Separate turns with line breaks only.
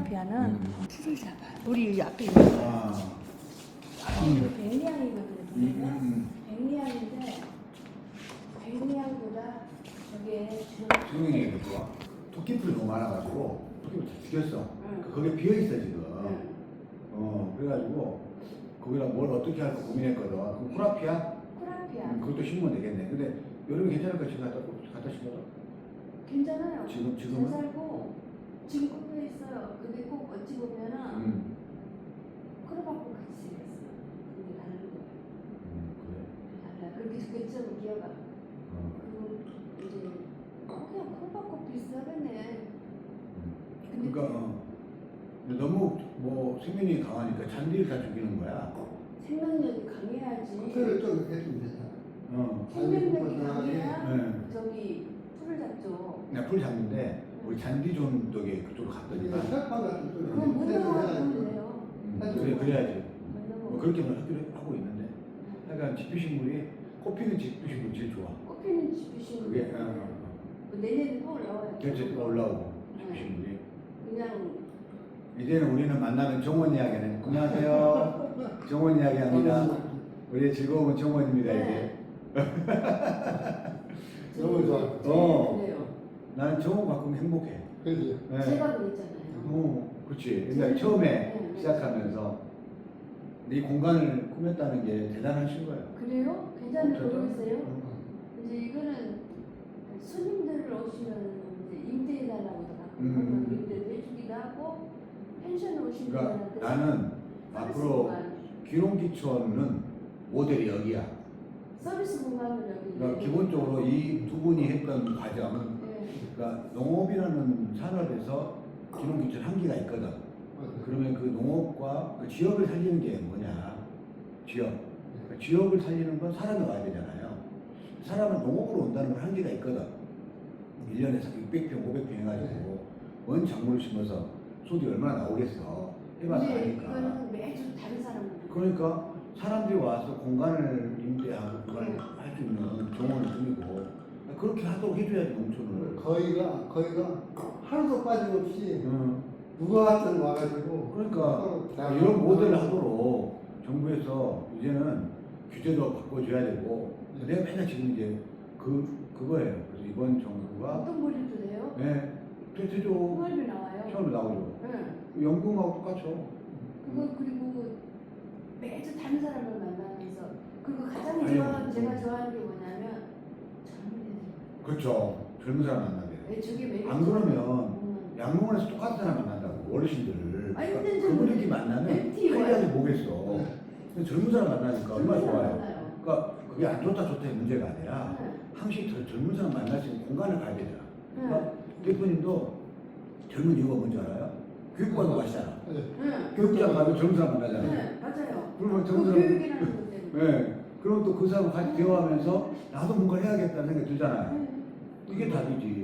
코라피아는 풀을 잡아요. 우리 앞에 있는 거. 이거 백리향이거든요. 백리향인데 백리향보다 저게
지금이 좋아. 토끼풀이 너무 많아가지고 토끼풀 다 죽였어. 거기에 비어있어 지금. 그래가지고 거기다 뭘 어떻게 할까 고민했거든. 그럼 코라피아?
코라피아.
그것도 심으면 되겠네. 근데 여름에 괜찮을까? 지금 갖다 심어도?
괜찮아요.
지금은?
잘 살고 지금 꼽혀 있어요. 근데 꼭 어찌 보면은 크로바코 같이 생겼어요. 근데 다른 거예요.
그래.
달라. 그렇게 그쪽은 기어가. 그리고 이제 그냥 크로바코 비슷하겠네. 근데
그러니까 근데 너무 뭐 생명력이 강하니까 잔디를 다 죽이는 거야.
생명력이 강해야지.
그거를 좀 해주면 되잖아.
생명력이 강해야
네.
저기 풀을 잡죠.
그냥 풀 잡는데 우리 잔디 존 쪽에 그쪽으로 갔더니
이거 철판 같은 쪽에
그건 못
해도
나가면
되잖아.
돼요.
그래야지.
못
뭐 그렇게 학교를 하고 있는데. 그러니까 집주식물이 꽃피는 집주식물이 제일 좋아.
꽃피는 집주식물.
그게
내년에 또 올라와요.
결제 올라오고 집주식물이.
그냥
이제는 우리는 만나는 정원 이야기는 안녕하세요. 정원 이야기합니다. 우리의 즐거움은 정원입니다 이제.
너무 좋아.
그래요.
나는 정원 바꾸면 행복해.
그렇지.
네.
제가 그랬잖아요.
그렇지. 옛날 처음에
네.
시작하면서 이 공간을 꾸몄다는 게 대단하신 거예요.
그래요? 괜찮은 거
진짜?
모르겠어요? 이제 이거는 손님들 오시면 이제 임대해달라고도 가끔 임대도 해주기도 하고 펜션 오시는
그러니까
분한테
나는 앞으로 귀농귀촌은 모델이 여기야.
서비스 공간을 여기.
그러니까 기본적으로 이 두 분이 했던 과정은
네.
그러니까 농업이라는 산업에서 귀농귀촌 한계가 있거든. 그러면 그 농업과 그 지역을 살리는 게 뭐냐? 지역. 그 지역을 살리는 건 사람이 와야 되잖아요. 사람은 농업으로 온다는 건 한계가 있거든. 1년에 600평, 500평 해가지고 원 작물을 심어서 소득이 얼마나 나오겠어. 해봐서
근데
아니까.
이거는 매주 다른 사람들.
그러니까 사람들이 와서 공간을 임대하고 그걸 할 수 있는 정원을 꾸미고 그렇게 하도록 해줘야지 농촌을.
거의가 하루도 빠짐없이 누가 왔든 와가지고
그러니까
서로
이런 모델을 하도록 정부에서 이제는 규제도 바꿔줘야 되고 내가 맨날 지금 이제 그거예요. 그래서 이번 정부가
어떤 머리도 돼요?
네 되죠.
홍합이 나와요.
처음에 나오죠.
네.
연금하고 똑같죠.
그리고 매주 다른 사람을 만나면서 그리고 가장
아니요.
제가 좋아하는 게 뭐냐면 젊은 애들.
그렇죠. 젊은 사람 만나게.
왜 저게 매주
안 그러면 양로원에서 똑같은 사람 만난다고 어르신들을.
아니,
그러니까
근데
그분들끼리 만나면
MT 와요.
할리하지 뭐겠어. 근데 젊은 사람 만나니까 얼마나 좋아요.
만나요.
그러니까 그게 안 좋다 좋다의 문제가 아니라
네.
항상 젊은 사람 만날 수 있는 공간을 가야 되잖아.
네.
그러니까 대표님도 젊은 이유가 뭔지 알아요? 교육받고 가시잖아.
네.
네.
교육장 가면 젊은 사람 만나잖아요.
네, 맞아요.
그러면
그
젊은 사람.
교육이라는 것 때문에.
네. 그럼 또 그 사람 같이 대화하면서 나도 뭔가 해야겠다는 생각이 들잖아요. 이게 답이지.